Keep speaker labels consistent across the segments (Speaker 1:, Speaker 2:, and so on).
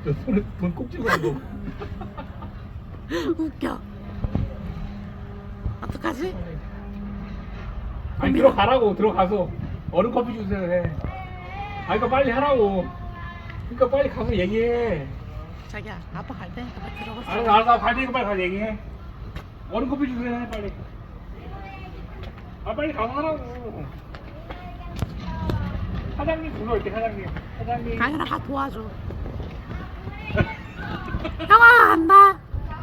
Speaker 1: 저 손에 돈 꼭 쥐고 하고.
Speaker 2: 웃겨. 어떡하지?
Speaker 1: 아니 들어가라고. 들어가서 얼음 커피 주세요 해. 아니 그러니까 빨리 하라고. 그러니까 빨리 가서 얘기해.
Speaker 2: 자기야, 아빠 갈 테니까 빨리 들어가서.
Speaker 1: 알았어 갈 테니까 빨리 가서 얘기해. 얼음 커피 주세요 해 빨리. 아 빨리 가서 하라고. 사장님 불러올게 사장님. 사장님.
Speaker 2: 강현아 가 도와줘. 형아 간다.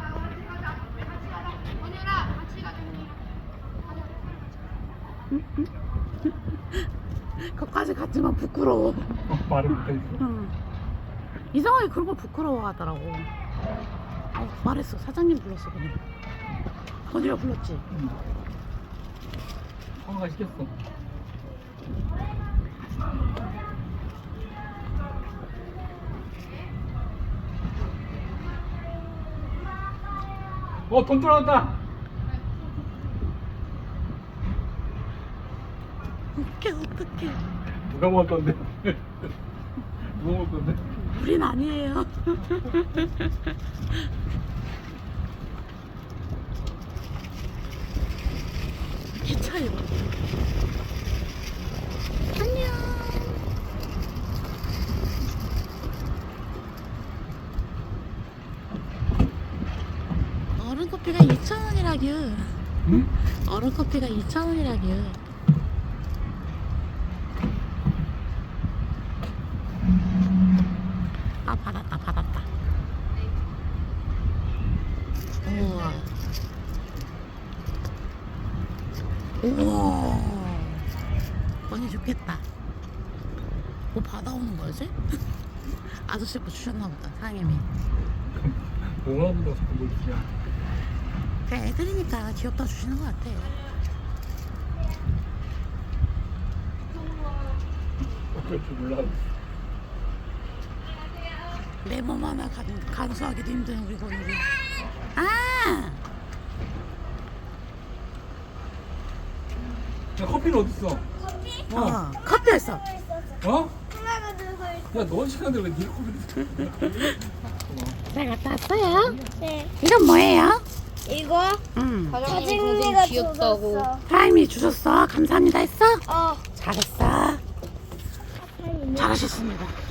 Speaker 2: 거기까지 갔지만 부끄러워.
Speaker 1: 말을 못했어.
Speaker 2: 응. 이상하게 그런 걸 부끄러워하더라고. 말했어. 사장님 불렀어 그냥. 건이가 불렀지.
Speaker 1: 형아가 시켰어. 돈 떨어졌다.
Speaker 2: 웃겨 어떡해.
Speaker 1: 누가 먹을 건데? 누가 먹을 건데?
Speaker 2: 우린 아니에요. 기차 이거. 안녕. 얼음 커피가 2,000원이라규.
Speaker 1: 응?
Speaker 2: 얼음 커피가 2,000원이라규. 아 받았다 받았다. 우와. 우와. 언니 좋겠다. 뭐 받아오는 거지? 아저씨 거 주셨나 보다 사장님이.
Speaker 1: 동화보다 자꾸 뭘 주냐?
Speaker 2: 그냥 애들이니까 귀엽다 주시는 것 같아.
Speaker 1: 어쩔 줄 몰라.
Speaker 2: 내 몸 하나 간수하기도 힘든 우리 건우리. 아!
Speaker 1: 야 커피는 어딨어?
Speaker 2: 커피였어.
Speaker 1: 어?
Speaker 3: 하나가 들고 있어.
Speaker 1: 야 넌 시간 들왜 네 커피를
Speaker 2: 잘 갔다 왔어요?
Speaker 3: 네.
Speaker 2: 이건 뭐예요?
Speaker 3: 이거
Speaker 4: 사장님이 귀엽다고.
Speaker 2: 사장님이 주셨어. 감사합니다 했어?
Speaker 3: 어.
Speaker 2: 잘했어. 잘하셨습니다.